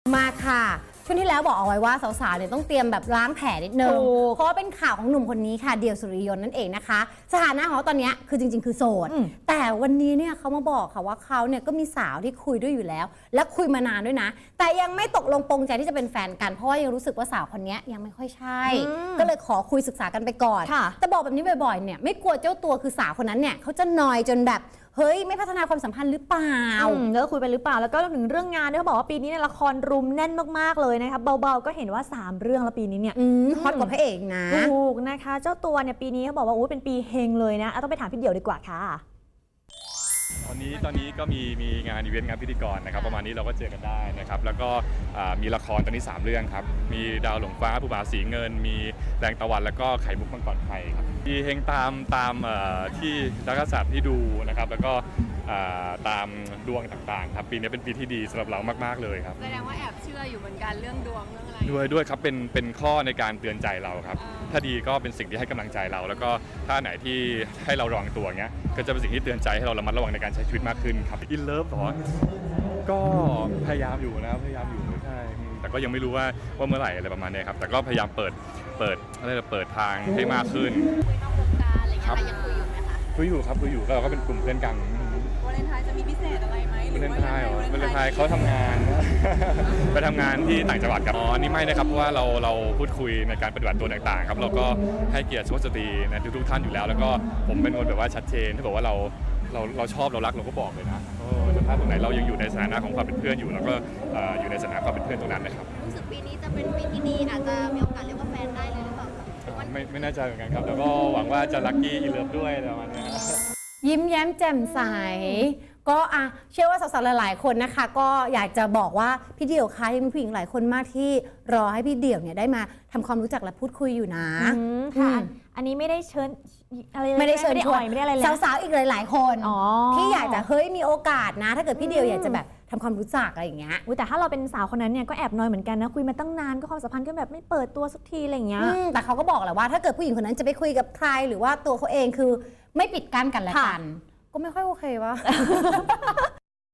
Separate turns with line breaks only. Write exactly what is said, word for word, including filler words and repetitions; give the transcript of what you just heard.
มาค่ะช่วงที่แล้วบอกเอาไว้ว่าสาวๆเนี่ยต้องเตรียมแบบล้างแผลนิดนึงเพราะว่าเป็นข่าวของหนุ่มคนนี้ค่ะเดี่ยวสุริยนต์นั่นเองนะคะสถานะของเขาตอนนี้คือจริงๆคือโสดแต่วันนี้เนี่ยเขามาบอกค่ะว่าเขาเนี่ยก็มีสาวที่คุยด้วยอยู่แล้วและคุยมานานด้วยนะแต่ยังไม่ตกลงปรงใจที่จะเป็นแฟนกันเพราะว่ายังรู้สึกว่าสาวคนนี้ยังไม่ค่อยใช่ก็เลยขอคุยศึกษากันไปก่อนแต่บอกแบบนี้บ่อยๆเนี่ยไม่กลัวเจ้าตัวคือสาวคนนั้นเนี่ยเขาจะนอยจนแบบเฮ้ยไม่พัฒนาความสัมพันธ์หรือเปล่า
เลิกคุยไปหรือเปล่าแล้วก็รวมถึงเรื่องงานด้วยเขาบอกว่าปีนี้เนี่ยละครรุมแน่นมากๆเลยนะคะเบาๆก็เห็นว่าสามเรื่องแล้วปีนี้เนี่ย
ฮอตกว่าพระเอกนะ
ถูกนะคะเจ้าตัวเนี่ยปีนี้เขาบอกว่าอู้เป็นปีเฮงเลยนะต้องไปถามพี่เดี่ยวดีกว่าค่ะ
ตอนนี้ตอนนี้ก็มีมีงานอีเวนต์งานพิธีกรนะครับประมาณนี้เราก็เจอกันได้นะครับแล้วก็มีละครตอนนี้สามเรื่องครับมีดาวหลงฟ้าผู้บ่าวสีเงินมีแรงตะวันแล้วก็ไข่มุกมังกรไทยครับมีเฮงตามตามที่นักษัตริย์ที่ดูนะครับแล้วก็ตามดวงต่างๆครับปีนี้เป็นปีที่ดีสำหรับเรามากๆเลยครับ
แสดงว่าแอบเชื่ออยู่เหมือนกันเรื่องดวงเรื่องอะไร
ด้วยด้วยครับเป็นเป็นข้อในการเตือนใจเราครับถ้าดีก็เป็นสิ่งที่ให้กำลังใจเราแล้วก็ถ้าไหนที่ให้เราระวังตัวเงี้ยก็จะเป็นสิ่งที่เตือนใจให้เราระมัดระวังในการใช้ชีวิตมากขึ้นครับอินเลิฟหรอก็พยายามอยู่นะพยายามอยู่ใช่แต่ก็ยังไม่รู้ว่าว่าเมื่อไหร่อะไรประมาณนี้ครับแต่ก็พยายามเปิดเปิดอะไรเปิดทางให้มากขึ้น
คุยนอกวงการอะไรเงี้ยยังคุยอยู่ไหมคะ
คุยอยู่ครับคุยอยู่ก็เราก็เป็นกลุ่มเพื่อนกัน
วาเลนไทน์จะมีพิเศษอะไรไหม
วาเลนไทน์เหรอวาเลนไทน์เขาทำงานไปทำงานที่ต่างจังหวัดครับอ๋อนี่ไม่นะครับเพราะว่าเราเราพูดคุยในการปฏิบัติตัวต่างๆครับเราก็ให้เกียรติสุภาพสตรีนะทุกๆท่านอยู่แล้วแล้วก็ผมเป็นคนแบบว่าชัดเจนถ้าบอกว่าเราเราเราชอบเรารักเราก็บอกเลยนะถ้าตรงไหนเรายังอยู่ในสถานะของความเป็นเพื่อนอยู่แล้วก็อยู่ในสถานะความเป็นเพื่อนตรงนั้นนะครับ
รู้สึกปีนี้จะเป็นปีที่ดีอาจจะมีโอกาสเรียกว่าแฟนได้เลยหรือเปล่า
ไม่ไม่แน่ใจเหมือนกันครับแล้วก็หวังว่าจะลัคกี้อินเลิฟด้วยประมาณนี้
ยิ้มแย้มแจ่มใสก็อ่ะเชื่อว่าสาวๆหลายๆคนนะคะก็อยากจะบอกว่าพี่เดี่ยวคะยังมีผู้หญิงหลายคนมากที่รอให้พี่เดี่ยวเนี่ยได้มาทำความรู้จักและพูดคุยอยู่นะ
ค่ะอันนี้ไม่ได้เชิญอะไร
ไม่ได้เชิญชวน
ไม่ได้อะไรเลย
สาวๆอีกหลายๆคนที่อยากจะเฮ้ยมีโอกาสนะถ้าเกิดพี่เดี่ยวอยากจะแบบทำความรู้จักอะไรอย่างเงี้ย
แต่ถ้าเราเป็นสาวคนนั้นเนี่ยก็แอบน้อยเหมือนกันนะคุยมาตั้งนานก็ความสัมพันธ์ก็แบบไม่เปิดตัวสักทีอะไรอย่างเงี้ย
แต่เขาก็บอกแหละว่าถ้าเกิดผู้หญิงคนนั้นจะไปคุยกับใครหรือว่าตัวเขาเองคือไม่ปิดกั้นกันและกันก็ไม่ค่อยโอเควะ